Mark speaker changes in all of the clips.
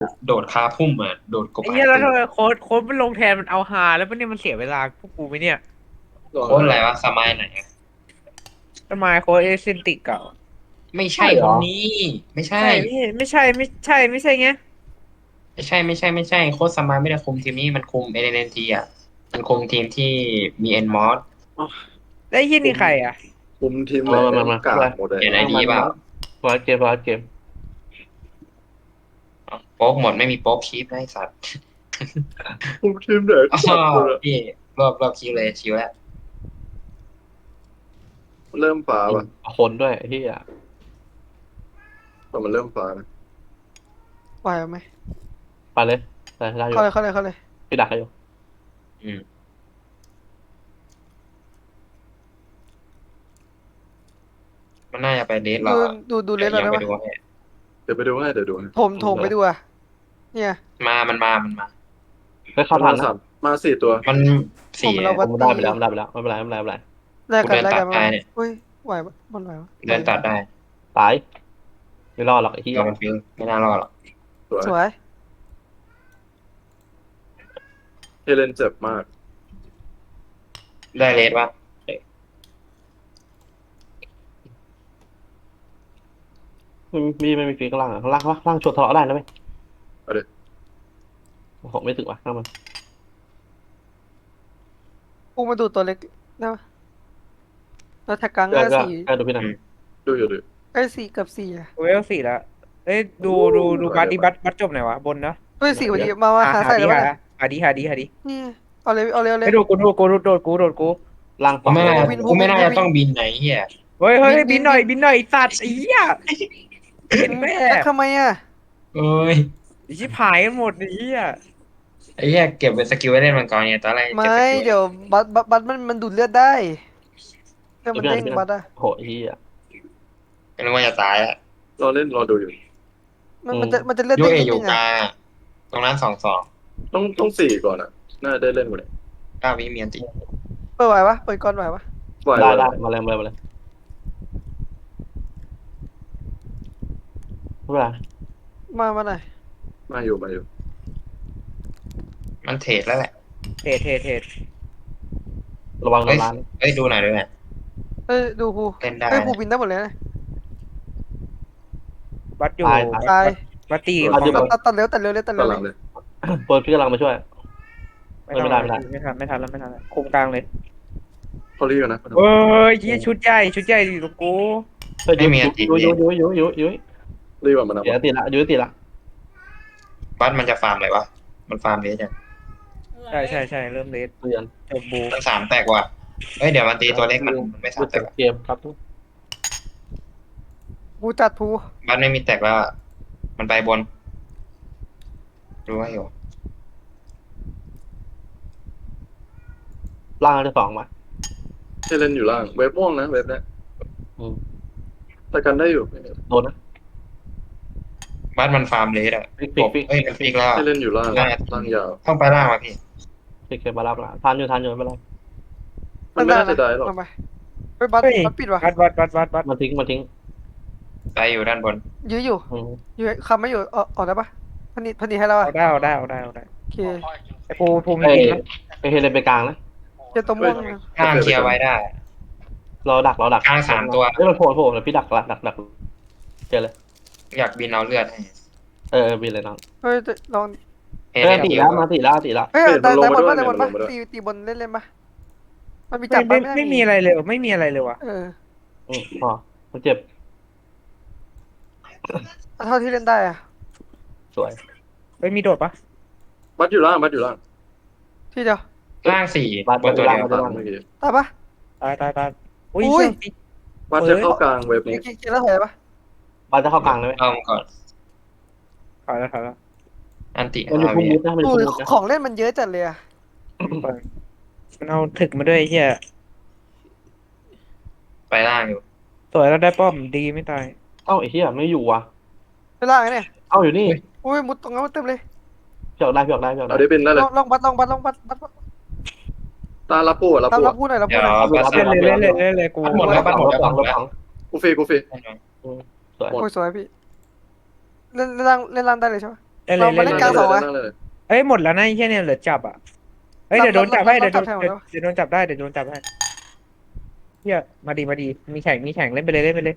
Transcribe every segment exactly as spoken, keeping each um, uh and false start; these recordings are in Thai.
Speaker 1: โดดคาพุ่มอ่ะโดดกบ
Speaker 2: ไอ้
Speaker 1: หายตัว
Speaker 2: เหี้ยแล้วทำไมโค้ดโค้ดมันลงแทนมันเอาฮาแล้วมันเนี่ยมันเสียเวลาพวกกูไหมเนี่ย
Speaker 3: ลอง
Speaker 1: โค้ดอะไร
Speaker 3: อะไร
Speaker 1: วะสมัยไหนอะ
Speaker 2: ทำไมโค้ดเอเซนติกเก่า
Speaker 1: ไม่ใช่
Speaker 3: ใช่เหรอ
Speaker 1: คนนี้ไม่ใช่
Speaker 2: ใช่ไม่ไม่ใช่ไม่ใช่ไม่ใช่ไง
Speaker 1: ไม่ใช่ไม่ใช่ไม่ใช่โค้ดสมัยไม่ได้คุมทีมนี้มันคุมเอเนทีอ่ะมันคุมทีมที่มีเอ็นมอส
Speaker 2: แล้วไอ้เหี้ย
Speaker 3: คุม
Speaker 2: นี่ใครอ่ะ
Speaker 3: คุมทีมไหน
Speaker 4: มามามามา
Speaker 3: กา
Speaker 4: อะไร
Speaker 3: กหมดเลย
Speaker 1: เห็นไอ
Speaker 4: ตั้งมัน
Speaker 1: ดีเปล่า
Speaker 4: บอสเกมบอสเกม
Speaker 1: โป๊กหมดไม่มีโป๊กคีปนะไอ้สัตว์
Speaker 3: คุมทีมไหน
Speaker 1: อ๋อ
Speaker 3: กากหมดอะ
Speaker 1: พี่รอบรอบคิวเลยชิวแล้ว
Speaker 3: เริ่มฟ้าป่ะ
Speaker 4: คนด้วยที่อ่ะ
Speaker 3: พอมันเริ่มฟ้านะ
Speaker 5: ไหวไหม
Speaker 4: ไปเลยแต่ได้อยู่
Speaker 5: เข้าเลยเข้าเลยเข้าเลย
Speaker 4: พี่ดักให้อยู่
Speaker 1: อืมมันน่าจะไปเดทเรา
Speaker 5: ดู
Speaker 1: อะ
Speaker 5: ดูดูเล
Speaker 1: เดี๋ยวยัง
Speaker 5: สเราได้ปะ
Speaker 1: ไปดูให้
Speaker 3: เดี๋ยวไปดูให้เดี๋ยวดูให้
Speaker 5: โถมโถมไปดูอ่ะเนี่ย
Speaker 1: มามันมามันมา
Speaker 4: เฮ้ยเข้าทันนะ
Speaker 3: มาสามมาสี่ตัว
Speaker 1: มัน
Speaker 5: ผม
Speaker 1: สี่
Speaker 5: เรา
Speaker 4: ผมได้ไปแล้วได้ไปแล้วไม่เป็นไรไม่เป็นไรไม่เป็นไร
Speaker 5: แลกกันแลกกัน
Speaker 1: กูเดินตัดได้เนี่ย
Speaker 5: เฮ้ยไหวปะมันไหวปะ
Speaker 1: เดินตัดได้
Speaker 4: ตายไม่รอดหรอกไอ้ที่
Speaker 1: เรามันฟิลไม่น่ารอดหรอก
Speaker 3: สวย
Speaker 5: สวย
Speaker 3: เฮเลนเจ็บมาก
Speaker 1: ได้เลสปะ
Speaker 4: มีไม่มีฟีข้างล่างอ่ะข้างล่างข้างล่างชดทะเลาะได้นะเว้ย
Speaker 3: เอาดิ
Speaker 4: ผมไม่ถึงว่ะข้างมัน
Speaker 5: พุ่งมาดูตัวเล็กได้ปะแล้วแท็กกลาง
Speaker 4: ก็
Speaker 5: ก็
Speaker 4: ก็
Speaker 5: สี่
Speaker 4: ก็ดูพี่หน่อย
Speaker 3: ดูอยู่ดู
Speaker 5: ไอ้ยสี่กับสี่อ่ะ
Speaker 2: เวลสี่แล้วเอ้ยดูดูดูบัตดีบัตบัตจบไหนวะบนเนาะ
Speaker 5: เฮ้ยสี่พอดีมามาหา
Speaker 2: หา
Speaker 5: ใส่
Speaker 2: ดี
Speaker 5: แล้ว
Speaker 2: หา
Speaker 5: ปะเนี่ย
Speaker 2: หาดีหาดีหาดี
Speaker 5: นี่เอาเลยเอาเลยเอาเลย
Speaker 2: ไอ้ดูกูดูกูดูโดดกูโดดกู
Speaker 4: ล่าง
Speaker 1: กู
Speaker 4: ฝั่ง
Speaker 1: ไม่
Speaker 4: เล
Speaker 1: น่าย
Speaker 5: วิน
Speaker 1: กูไม่น่า
Speaker 5: วิน
Speaker 1: จะต้องบินไหนเฮีย
Speaker 2: เฮ้ยเฮ้ย
Speaker 5: บิน
Speaker 2: บินหน่อย
Speaker 5: บิน
Speaker 2: บินหน่อยไอ้สัตว์ไอ้เหี้ยเห็นแม่
Speaker 5: แล้วทำไมอ่ะ
Speaker 1: เอ้ย
Speaker 2: ไอ้ชิบหายกันหมดไอ้เหี้ย
Speaker 1: ไอ้เหี้ยเก็บเป็นสกิลไว้เล่นมังกรเนี่ยตอนแรกเก็บ
Speaker 5: ไม่
Speaker 1: สกิล
Speaker 5: เดี๋ยวบัตบัตบัตมันมันดูดเลือดได้เลือดมัน
Speaker 4: พี่หน่อ
Speaker 5: เด้
Speaker 4: ย
Speaker 5: ง
Speaker 4: พี่หน่
Speaker 5: บั
Speaker 4: อย
Speaker 5: ตอ่ะ
Speaker 4: โหไอ้ที่อ่ะ
Speaker 1: ก็นึกว่าจะตายอะ
Speaker 3: รอเล่นรอดูอยู่
Speaker 5: มันมันจะมันจะเลือด
Speaker 1: ยู
Speaker 5: เด้ง
Speaker 1: เอ
Speaker 5: นิด
Speaker 1: อยู่
Speaker 5: นึง
Speaker 1: ก
Speaker 5: อ่ะ
Speaker 1: ลางอะตรงนั้นสองสอง
Speaker 3: ต้องต้องสี่ก่อนอ่ะน่าได้เล่นหมดเลย
Speaker 1: เก้าวิเมียนติ
Speaker 5: เปิดไหวปะเปิดก่อนไหวปะ
Speaker 3: ไหว
Speaker 4: ได้
Speaker 3: ไหว
Speaker 4: ได้มาเลยมาเลยมาเลยไม่เป็นไร
Speaker 5: มามาหน่อย
Speaker 3: มาอยู่มาอยู่
Speaker 1: มันเทรดแล้วแหละ
Speaker 2: เทรดเทรดเทรด
Speaker 4: ระวังโด
Speaker 1: เฮ้ย
Speaker 4: นร้าน
Speaker 1: เฮ้ยดูหน่อยด้วยนะ
Speaker 5: เอ้ยดูครู
Speaker 1: เล่นได้
Speaker 5: เอ้ยครู
Speaker 1: นะ
Speaker 5: บินได้หมดเลยนะ
Speaker 2: บัตอยู่
Speaker 4: ตาย
Speaker 2: บัต
Speaker 5: ตาย
Speaker 2: บัตตี
Speaker 4: ตาย
Speaker 5: ตัดตัดตัดเร็วตัดเร็วเลยตัดเร็
Speaker 3: ตาว ห
Speaker 5: เล
Speaker 3: ลั
Speaker 5: ย
Speaker 3: งเลย
Speaker 4: เปิดพี่กำลังมาช่วย
Speaker 2: ไม่ทัน
Speaker 4: ไม่ได้ไม่ได้
Speaker 2: ไม่ทันไม่ทันแล้วไม่ทันแล้วคุมกลางเลย
Speaker 3: เขารีบนะ
Speaker 2: เฮ้ยยี่ชุดใหญ่ชุดใหญ่ดิลูกกู
Speaker 4: เฮ้ยยุยยุยยุยยุยยุยยุยยุย
Speaker 3: รีบแบบมันนะ
Speaker 4: เดี๋ยวติดละยุยติดละ
Speaker 1: บัสมันจะฟาร์มอะไรวะมันฟาร์มเลสยัง
Speaker 2: ใช่ใช่ใช่เริ่มเลส
Speaker 4: เรียน
Speaker 2: จบบู
Speaker 1: มันสามแตกว่ะเฮ้ยเดี๋ยวมันตีตัวเล็กมันมันไม่สามแต
Speaker 4: เก็
Speaker 1: ก
Speaker 4: บ
Speaker 1: ว่ะ
Speaker 4: เกมครับ
Speaker 5: ครูจัดครู
Speaker 1: บัสไม่มีแตกแล้วอะมันไปบนรู้ว่าอยู่
Speaker 4: ล่างที่สองมา
Speaker 3: เฮเลนอยู่ล่างเว็บม่วงนะเว็บเนี้ย
Speaker 4: อืม
Speaker 3: แต่กันได้อยู่
Speaker 4: โดนนะ
Speaker 1: บัสมันฟาร์มเลสอะ
Speaker 4: ฟิกฟิกฟิก
Speaker 1: เฮ้ยมันฟิกแล้วอะ
Speaker 3: เฮเลนอยู่ล่าง
Speaker 1: ได้
Speaker 3: ล่างยาว
Speaker 1: ต้องไปล่างมาพี่
Speaker 4: ฟิกเก็บมารับละทันอยู่ทันอยู่ไม่เป็นไร
Speaker 3: มันไม่น่าจะได้หรอก
Speaker 5: มาไปเฮ้ยบัต
Speaker 2: เฮ้ย
Speaker 5: บัตปิดว่ะ
Speaker 2: บัตบัตบัตบัตบัต
Speaker 4: มาทิ้งมาทิ้ง
Speaker 1: ไปอยู่ด้านบน
Speaker 5: ยื้ออยู่
Speaker 4: อืม
Speaker 5: ยื้อคำไม่อยู่ออกออกได้ปะพันนิดพันนิดให้เรา
Speaker 2: เอา
Speaker 5: อ่ะ
Speaker 2: ได้เอาได้เอาได้เอาได้
Speaker 5: โอเค
Speaker 2: ไอ้ปูภูมิ
Speaker 4: เอ้
Speaker 2: จริงนะ
Speaker 4: ไปเฮเลนไปกลางนะ
Speaker 5: เจอตัวม่วงนะ
Speaker 1: ข้างเคลียร์ไว้ได้
Speaker 4: เราดักเราดัก
Speaker 1: กลางสามตัว
Speaker 4: เฮ้ยมันโผล่โผล่แล้วพี่ดักดักดักดักเจอเลย
Speaker 1: อยากบินเอาเลือดให้
Speaker 4: เออบินเลยน้อง
Speaker 5: เฮ้ยลอง
Speaker 1: เฮ้ย
Speaker 4: เฮ้ย
Speaker 1: เล่น
Speaker 4: ตี
Speaker 1: คิว
Speaker 4: แล้วมาตีแล้วตีแล้ว
Speaker 5: เฮ้ย
Speaker 3: เฮ้ย
Speaker 5: แต่
Speaker 3: มันลง
Speaker 5: แต่
Speaker 3: มา
Speaker 5: บน
Speaker 3: ด้วย
Speaker 5: ปะแต่บนปะ
Speaker 3: มันลงมาด้วย
Speaker 5: ตีตีบนเล่นเล่นปะมันมี
Speaker 2: ไม่
Speaker 5: จับ
Speaker 2: ไม่
Speaker 5: ปะ
Speaker 2: ไม่มีอะไรเลยไม่มีอะไรเลยว่ะ
Speaker 5: เออ
Speaker 4: อืมพอมันเจ็บ
Speaker 5: เอาเท่าที่เล่นได้อ่ะ
Speaker 4: สวย
Speaker 2: ไม่มีโดดปะ
Speaker 3: บัตอยู่ล่างบัตอยู่ล่าง
Speaker 5: ที่เดียว
Speaker 1: ล่างสี่บนตัวเดียว
Speaker 3: ตามเมื่อกี้
Speaker 5: ตายปะ
Speaker 2: ตายตายตายอุ้ย
Speaker 5: อุ้ย
Speaker 2: เชี่ย
Speaker 3: บัตจะเข้ากลางเว็บ
Speaker 5: เกี
Speaker 3: นี้
Speaker 5: ยร์เกียร์แล้วถอยปะ
Speaker 4: บาสจะเข้ากลางเลยไหม
Speaker 1: เอามาก่อน
Speaker 2: ถอยแล้วถอยแล้ว
Speaker 1: อันติ
Speaker 4: มันอยู่
Speaker 1: ห้า
Speaker 4: พุ่ม
Speaker 1: วิ
Speaker 4: มุดนะมันอยู่
Speaker 5: ดู
Speaker 4: พุ่มมุดนะ
Speaker 5: ของเล่นมันเยอะจัดเลยอ่ะ
Speaker 2: มันเอาถึกมาด้วยไอ้เฮีย
Speaker 1: ไปล่างอยู่
Speaker 2: สวยแล้วได้ป้อมดีไม่ตาย
Speaker 4: เอ้าไอ้เหี้ยไม่อยู่ว่ะ
Speaker 5: ไปล่างไงเนี่ย
Speaker 4: เอ้าอยู่นี่
Speaker 5: อุ้ยมุดตรงนั้นเต็มเลย
Speaker 4: พี่ออกได้พี่ออกได้พี่ออก
Speaker 3: เอา
Speaker 4: ได้
Speaker 3: ได้บินได้
Speaker 5: ล
Speaker 3: เลย
Speaker 5: องลองบัตรลองบัตรลองบัตรบัตรบัตร
Speaker 3: ตารับปูอะรับ
Speaker 5: ตาม
Speaker 3: ปู
Speaker 5: รับพูดหน่อยรับ
Speaker 1: เดี๋
Speaker 5: พู
Speaker 1: ย
Speaker 5: ด
Speaker 1: ว
Speaker 5: หน่อย
Speaker 1: บัส
Speaker 2: เล่นเลยเล่นเลยเล่นเลยกู
Speaker 1: บัสหมดแล้วบัสหมดแล้ว
Speaker 4: ร
Speaker 1: บั
Speaker 4: ถ
Speaker 1: สหมด
Speaker 4: ถั
Speaker 1: แล้ว
Speaker 4: ง
Speaker 3: กูฟรีกูฟรี
Speaker 4: สวย
Speaker 5: โอ้ยสวยพี่เล่นเล่นล่างเล่นล่างได้เลยใช่ปะ
Speaker 2: ได้เล
Speaker 5: เรา
Speaker 2: ย
Speaker 5: มา
Speaker 2: เล่
Speaker 5: เล่
Speaker 2: น
Speaker 5: นกลางสอง
Speaker 2: เลย
Speaker 5: วะ
Speaker 3: นั่งเลย
Speaker 2: เอ้ยหมดแล้วนะไอ้เหี้ยเนี่ยเหลือจับอ่ะเอ้ย
Speaker 5: รับ
Speaker 2: เดี๋ยวโดนจับให้
Speaker 5: รั
Speaker 2: เดี๋ยว
Speaker 5: บ
Speaker 2: โดน
Speaker 5: รับ
Speaker 2: เดี๋ยวเดี๋ยวโดนจับได้เดี๋ยวโดนจับให้เฮียมาดีมาดีมีแข่งมีแข่งเล่นไปเลยเล่นไปเลย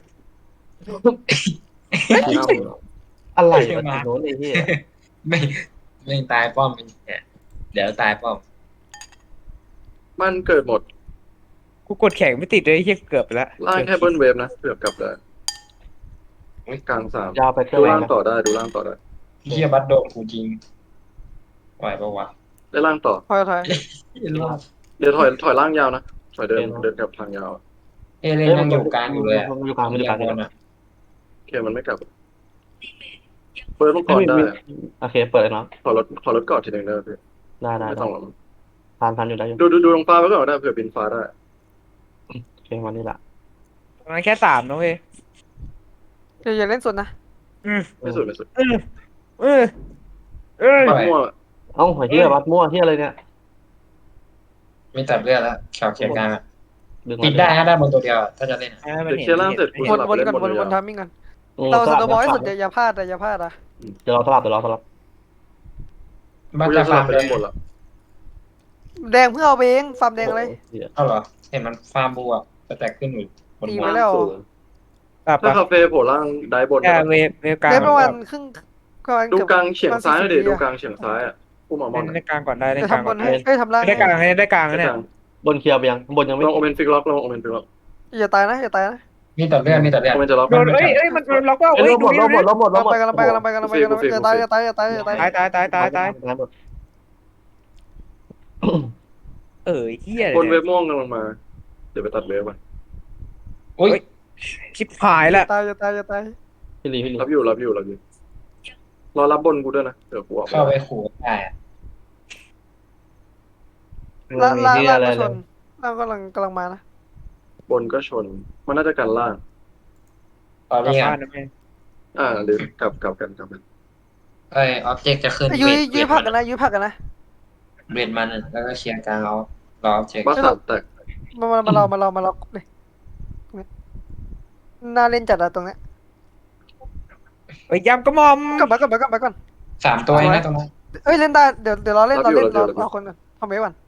Speaker 4: อะไรวะทีโน้นไอ้เหี้ย
Speaker 1: ไม่ไม่ตายป้อมเนี่ยเดี๋ยวตายป้อม
Speaker 3: มันเกิดหมด
Speaker 2: กูกดแข่งไม่ติดเลยไอ้เฮียเกือบไปแล้ว
Speaker 3: ล่างแค่เบิ้ลเวฟนะเกือบกลับได้กลางสาม
Speaker 4: ยาวไปเกิน
Speaker 3: ดู
Speaker 4: แร
Speaker 3: ล่าง ง
Speaker 4: นะ
Speaker 3: ต่อได้ดูล่างต่อได้
Speaker 1: เฮียบัตโดนกูจริงไหวปะวะ
Speaker 3: ได้ล่างต่อ
Speaker 5: ถอยถอย
Speaker 1: รอด
Speaker 3: เดี๋ยวถอยถอยล่างยาวนะถอยเดินเดินกลับทางยาว
Speaker 1: เอเลนยังอยู่กลางอยู่เลยอะ
Speaker 4: มันอยู่กลางมันอยู่กลาง
Speaker 1: บนอะ
Speaker 3: โอเคมันไม่กลับเปิดมังกรได้
Speaker 4: โอเคเปิดเลยเนาะ
Speaker 3: ขอรถขอรถก่อนทีหนึ่งได้ไหมพี่
Speaker 4: ได้ได้
Speaker 3: ไม่ต้องหรอก
Speaker 4: ทานทานอยู่ได้อยู่
Speaker 3: ดูดูดูลงฟ้าไปก่อนได้เผื่อบินฟ้าได้
Speaker 4: โอเควันนี้ละ
Speaker 2: มันแค่สามนะเว้ย
Speaker 5: อย่าอย่าเล่นสุดนะ
Speaker 2: อืม
Speaker 3: ไม่สุดไม่สุด
Speaker 2: เออเออเออ
Speaker 3: ปัดมั่ว
Speaker 4: เอ้าเหี้ยวัดมั่วเหี้ยอะไรเนี่ย
Speaker 1: ไม่ตัดเลือดแล้วแขวเขียนกลางอะ
Speaker 4: ดึง
Speaker 1: ปิดได้นะได้บนตัวเดียวอะถ้าจะเล่นอะ
Speaker 2: ให้มัน
Speaker 3: เดี๋ยว
Speaker 2: เห็น
Speaker 3: เคลียร์ล่างเสร็จกู
Speaker 5: ว
Speaker 3: ส
Speaker 5: น
Speaker 3: ลับ
Speaker 5: วน
Speaker 3: เล่น
Speaker 5: ก่อน
Speaker 3: บน
Speaker 5: วนวน
Speaker 3: ยาว
Speaker 5: ทามมิ่งก่อนเราสโนว์บอลให้สุดอย่าอย่าพลาดแต่อย่าพลาดอ่ะ
Speaker 4: เดี๋ยวเราสลับเดี๋ยวเราสลับ
Speaker 1: บัต
Speaker 3: กู
Speaker 1: จะ
Speaker 3: จะส
Speaker 1: ฟา
Speaker 3: ลั
Speaker 1: ร์
Speaker 3: บ
Speaker 1: ม
Speaker 3: ไป
Speaker 1: เล
Speaker 3: เล่
Speaker 1: ย
Speaker 3: นบนละ
Speaker 5: แดงเพื่อเอาไปเองฟาร์มแดงอะไร
Speaker 1: เอาเหรอเห็นมันฟาร์มบัวจะแตกขึ้นอยู่บน
Speaker 5: ตี
Speaker 1: หัว
Speaker 5: ไปแล้ว
Speaker 2: กลับ
Speaker 3: ถ้า
Speaker 2: ปะ
Speaker 3: คาเฟ่โผล่ล่างได้บน
Speaker 2: แค่เวฟเวฟกลาง
Speaker 5: เล่นประมาณ
Speaker 2: ก่อน
Speaker 5: ครึ่งประมาณ
Speaker 3: ดู
Speaker 5: เกือบ
Speaker 3: กลางเฉียงซ้ายดิ
Speaker 5: สี่สิบ
Speaker 3: ดู
Speaker 5: วิอะ
Speaker 3: กลางเฉียงซ้ายอ่ะผู้หมอมอ
Speaker 2: เล่
Speaker 3: น
Speaker 2: นได้กลางก่อนได้เล่น
Speaker 5: จะ
Speaker 2: กลาง
Speaker 5: ทำบ
Speaker 2: ก่อน
Speaker 5: นให้เอ้ยทำล่าง
Speaker 2: ได้กลางให้ได้กลางนะเนี่ย
Speaker 4: บนเคลียร์ไปยังบนยังไม่
Speaker 3: ลองโอเมนฟิกล็อกลองโอเมนฟิกล็อก
Speaker 5: อย่าตายนะอย่าตายนะ
Speaker 1: มีตัดเลือดมีตัดเลือด
Speaker 3: โอเมนจะล็อก
Speaker 2: โดนเอ้ยเอ้ยมันโดนล็อกว่า
Speaker 4: เอ้ย
Speaker 2: เอ้ย
Speaker 4: ลบหม
Speaker 2: ดู
Speaker 4: ดล
Speaker 2: ดิ
Speaker 4: บหมดลบหมดลบหมด
Speaker 5: ไปกันไปกันไปกันไปกันอย่าตายอย่าตายอย่าตายอย่าตาย
Speaker 2: ตายตายตายตายตาย
Speaker 4: หมด
Speaker 2: เออเฮีย
Speaker 3: บนเว
Speaker 2: เลย
Speaker 3: ฟม่วงกำลังมา เดี๋ยวไปตัดเวฟมัน
Speaker 1: อุ้ย
Speaker 2: ชิบหายละ
Speaker 5: ตายอย่าตายอย่าตาย
Speaker 4: พี่ลีพี่ลี
Speaker 3: รับอยู่รับอยู่รับอยู่รอรับบนกูด้วยนะเดี๋ยวกูออก
Speaker 1: เข้าไปขู่ได้อะ
Speaker 5: ล่างล่าง
Speaker 4: ที่
Speaker 5: ล่าง
Speaker 4: อะไร
Speaker 5: ก็ช
Speaker 4: เลย
Speaker 5: นล่างกำลังกำลังมานะ
Speaker 3: บนก็ชน มันน่าจะกันล่าง
Speaker 1: ตอน
Speaker 2: กลับ
Speaker 1: นี้
Speaker 2: บ้า
Speaker 1: อ่ะ
Speaker 2: นนะแม่
Speaker 3: อ่าหรือกลับกลับกันกลับกัน
Speaker 1: เอ้ยออบเจกต์จะขึ้น
Speaker 5: ยุ้ย
Speaker 1: เวท
Speaker 5: ยุ้ย
Speaker 1: เวท
Speaker 5: ผัก
Speaker 1: มั
Speaker 5: กันนะยุ้ยผักกันนะ
Speaker 1: เวทมันอะแล้วก็เคลียร์กลางเอารอออบเจกต์
Speaker 3: บัสสามแตก
Speaker 5: มามามาเรามาเรามาเราเลยน่าเล่นจัดอะตรงเนี้ย
Speaker 2: เอ้ยยำกระหม่อม
Speaker 5: กลับมากลับมากลับมาก่อน
Speaker 1: สามตัวเองนะตรงนั้น
Speaker 5: เอ้ยเล่นได้เดี๋ยวเดี๋ยวเราเล่นเราเล่นเราเราคนกันทำไว้ก่อน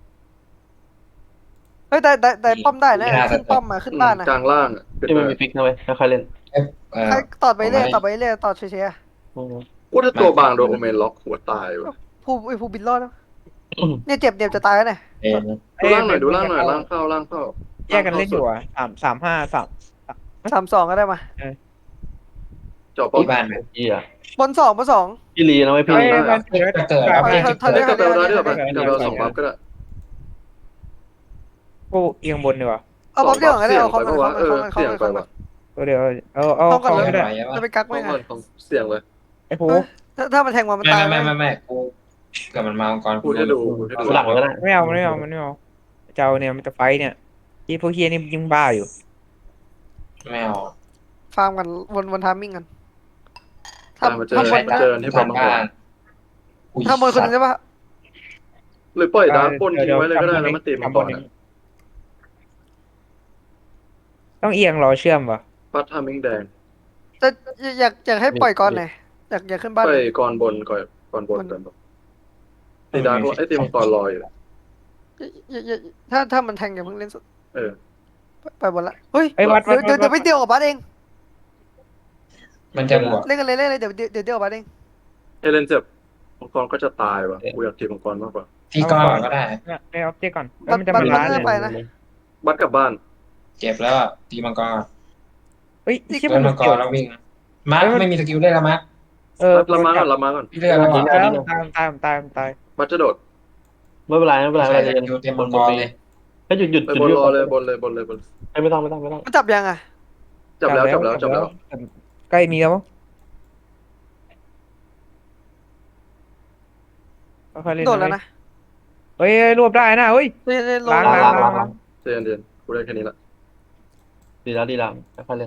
Speaker 5: เฮ้ยแต่แต่แต่ป้อมได้นะขึ้นป้อมมาขึ้นบ้านนะ
Speaker 3: กลางล่างอะเป็น
Speaker 4: ที่
Speaker 3: ไป
Speaker 4: มันมีฟิกนะเว้ยค่อยๆเล่น
Speaker 1: เอ้ยเออ
Speaker 5: ใครตอดไปเรื่อยตอดไปเรื่อยตอดเฉย
Speaker 3: กูถ้าตัวบางโดนโอเมนล็อกหัวตายว่ะ
Speaker 5: ๆผู้ไอ้ผู้บินรอดนะเนี่ยเจ็บเนี่ยจะตายแล้วเนี่ย
Speaker 1: เอ็น
Speaker 3: ดูล่างหน่อยดูล่างหน่อยล่างเข้าล่างเข้า
Speaker 2: แยกกันเล่นอยู่อ่ะสามสามห้าสาม
Speaker 5: สามสองก็ได้มา
Speaker 3: เจาะป้อม
Speaker 1: ที่บ้านไหม
Speaker 4: เหี้ย
Speaker 5: บนสองบนสอง
Speaker 4: พี่ลีนะเว้ยพี่
Speaker 2: เอ้ย
Speaker 4: ลี
Speaker 2: มันเกิด
Speaker 1: จะเกิด
Speaker 2: แบ
Speaker 1: อ
Speaker 2: บ
Speaker 1: อบเจกต์จะ
Speaker 5: ถอย
Speaker 1: เกิ
Speaker 5: ถ
Speaker 1: ด
Speaker 5: อย
Speaker 3: กลับไปเอาได้ด้วยกลับไปเอาสองบัฟก็ได้
Speaker 2: กูเอียงบนดีกว่า
Speaker 5: เอาบ๊อบเดียวก็ได้
Speaker 3: เสี่ยง
Speaker 5: เอา
Speaker 3: ไป
Speaker 5: เขา
Speaker 3: ปะ
Speaker 5: เขา
Speaker 3: วะเออ
Speaker 5: เขา
Speaker 3: เสี่ยงไป
Speaker 5: เขา
Speaker 3: วะ
Speaker 2: ตัวเดียวเอาเอา
Speaker 5: ต้องก่อน
Speaker 2: เอา
Speaker 5: เลย
Speaker 2: ไม่ได้
Speaker 5: จะไปกัก
Speaker 3: ต้
Speaker 5: ไม่
Speaker 3: อง
Speaker 5: ไง
Speaker 3: ต้องเสี่ยงเลย
Speaker 2: ไอ้โห
Speaker 5: ถ้าถ้ามันแทงมามัน
Speaker 1: ไม่
Speaker 5: ตาย
Speaker 1: ไม่ไม่ไม่กูเกิดมันมาองค์กร
Speaker 3: กูจะดูกูจะดู
Speaker 4: หลังก็ได้
Speaker 2: ไม่เอาไม่เอามันไม่เอาเจ้าเนี่ยมันจะไฟเนี่ยที่พวกเฮียนี่ยิ่งบ้าอยู่
Speaker 1: ไม่เอา
Speaker 5: ฟาร์มกันวนวนทามมิ่งกัน
Speaker 3: อ่ะมาเจอ
Speaker 5: ถ้าบน
Speaker 3: มาเจอที่ป้อมมังกร
Speaker 5: ถ้าบนคนนึงใช่ปะ
Speaker 3: หรือปล่อยดาร์กปนทิ้งไว้เลยก็ได้แล้วมันตีมังกรอะ
Speaker 2: ต้องเอียงรอเชื่อมวะ
Speaker 3: ปัดทามิงแดง
Speaker 5: แต่อยากอยากให้ปล่อยก่อนหน่อยอยากอยากขึ้นบ้าน
Speaker 3: ปล่อยก่อนบนก่อนก่อนบนก่อนบนตีดาร์กไอ้ตีมังกรลอยอยู่
Speaker 5: อย่าอย่าถ้าถ้ามันแทงอย่าเพิ่งเล่นสุด
Speaker 3: เออ
Speaker 5: ไปบนละเฮ้ย
Speaker 2: ไอ้วัดวัด
Speaker 5: เดี๋ยวเดี๋ยวไปเดียวกับบัสเอง
Speaker 1: มันจะบวก
Speaker 5: เล่นกันเลยเล่นเลยเดี๋ยวเดี๋ยวเดี๋ยวเดียวกับบัสเอง
Speaker 3: เอเลนเจ็บมังกรก็จะตายว่ะกูอยากตีมังกรมากกว่า
Speaker 1: ที่ก้อนก็ได้
Speaker 2: เนี่ยได้ออบเจกต์ก่อนแล้วมันจะมาล้านเลย
Speaker 5: ไปนะ
Speaker 3: บัดกลับบ้าน
Speaker 1: เจ็บแล้วอะตีมังกร
Speaker 2: เฮ้ยที่
Speaker 1: โด
Speaker 2: มัน
Speaker 1: นมังกรแล้ววิ่งมาร์คไม่มีสกิลเล่นแล้วมาร์ค
Speaker 2: เออ
Speaker 3: รับมาก่อนรับมาก่อน
Speaker 1: พี่เลือกแล้ว
Speaker 2: ต
Speaker 1: ก่อน
Speaker 2: ายตายตายตายตาย
Speaker 3: บัดจะโดด
Speaker 4: ไม่เป็นไรไม่เป็นไร
Speaker 1: ใส่
Speaker 4: ไม่
Speaker 1: ส
Speaker 4: เป็นไร
Speaker 1: กิลเตรียมมังกรเลย
Speaker 4: ให้หยุดหยุด
Speaker 3: ไป
Speaker 4: หยุด
Speaker 3: บน
Speaker 4: หยุด
Speaker 3: รอเลยบนเลยบนเลยบน
Speaker 4: ไม่ต้องไม่ต้องไม่ต้อง
Speaker 5: มันจับยังอ่ะ
Speaker 3: จับแล้วจับแล้วจับแล้ว
Speaker 2: ใกล้มีแล้วมั้งค่อยๆเล่น
Speaker 5: โดดแล้วนะ
Speaker 2: เฮ้ยรวบได้นะเฮ้ย
Speaker 5: เล่นเล่นลง
Speaker 2: ล้าง
Speaker 4: ล้างล้างล้างล้าง
Speaker 3: เจนเจนกูได้แค่นี้ละ
Speaker 4: ดีแล้วดีแล้วค่อยๆเล่น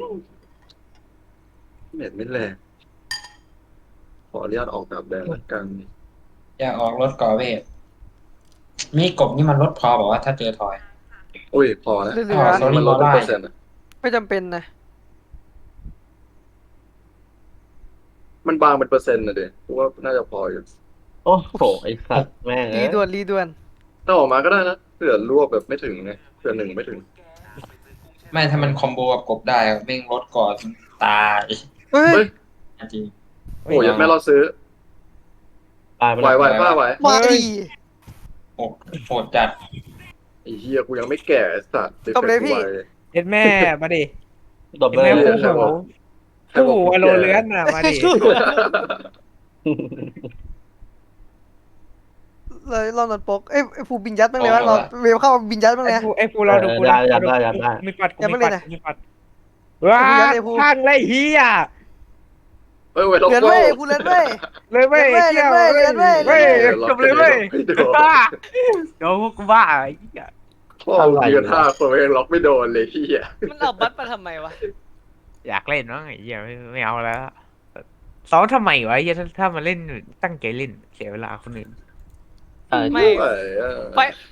Speaker 3: เน็ตไม่แรงขออนุญาตออกแบบแดนละกัน
Speaker 1: อย่าออกรถก่อเวทมีกบนี่มันลดพอบอกว่าถ้าเจอทอย
Speaker 3: อุ้ยพอแล้ว
Speaker 5: เหลื
Speaker 1: อ๋
Speaker 5: อ
Speaker 1: อ sorry
Speaker 3: มันลดเป็นเปอร์เซ็นต์อะ
Speaker 5: ไม่จำเป็นนะ
Speaker 3: มันมันบางเป็นเปอร์เซ็นต์นะเด็กกูว่าน่าจะพออยู่
Speaker 4: โอ้โหไอ้สัตว์แม่ง
Speaker 5: รี
Speaker 4: เอ้ย
Speaker 5: ด่วนรีด่วน
Speaker 3: ถ้าออกมาก็ได้นะเผื่อรวบแบบไม่ถึงไงเผื่อหนึ่งไม่ถึง
Speaker 1: ไม่ถ้ามันคอมโบกับกบได้แม่งลดก่อนตาย
Speaker 5: เฮ้ย
Speaker 3: เฮ้ย
Speaker 1: จริง
Speaker 3: โอ้ยยังไม่รอซื้อ
Speaker 4: ตายไป
Speaker 3: ไหว
Speaker 4: แล้ว
Speaker 3: ไหวป้าไหว
Speaker 5: มาดี
Speaker 1: โหดโหดจัด
Speaker 3: ไอ้เฮียกูยังไม่แก่ไอ้สัตว์
Speaker 5: จบเลยพี่
Speaker 2: เอ็ดแม่มาดิ
Speaker 4: ตบ
Speaker 2: เอ็ด
Speaker 4: เลย
Speaker 2: แม่
Speaker 3: เรี
Speaker 2: คู่
Speaker 3: ยน
Speaker 2: หูคู่หูอโลเลือนน่ะมาดิ
Speaker 5: เลยรอบนนปกเอ้ยไอ้ฟูบินยัดบ้างเลยวะเราเวฟเข้าบินยัดบ้างเลย
Speaker 2: ไอ้
Speaker 5: นะ
Speaker 2: ฟูไอ้ฟูเราดูกู
Speaker 4: ได้
Speaker 2: นะ
Speaker 4: ยัดได้ยัดได้
Speaker 2: มีปัดกู
Speaker 5: ยังไม่
Speaker 2: มีปัด
Speaker 5: เลยนะ
Speaker 2: มีปัดว้า
Speaker 5: ไอ้ฟูยัดเลยฟู
Speaker 2: ข้างไรเฮีย
Speaker 3: เอ้ยเว้ยล็อก
Speaker 5: เลือน
Speaker 3: โก้
Speaker 5: เว้ยฟูเลือนเว้ย
Speaker 2: เลยเว้ย
Speaker 5: เลือนเว้ย
Speaker 2: เที่ยว
Speaker 5: เลือนเว้ย
Speaker 2: เว้ย
Speaker 5: เลือนเว้ย
Speaker 2: จบเลยเว้ย
Speaker 3: ไม่โดน
Speaker 2: บ้าเดี๋ยวพวกกูบ้าไอ้เหี้ย
Speaker 3: พ่อมึงยืนท่าคนยังล็อกไม่โดนเลยเฮีย
Speaker 5: มันเอาบัตรมาทำไมวะ
Speaker 2: อยากเล่นมั้งไอ้เหี้ยไม่ไม่เอาแล้วซ้อมทำไมวะไอ้เหี้ยถ้าถ้ามาเล่นตั้งใจเล่นเสียเวลาคนอื่น
Speaker 4: ใช่
Speaker 5: ไม่
Speaker 3: ไหวอะ
Speaker 5: ไฟ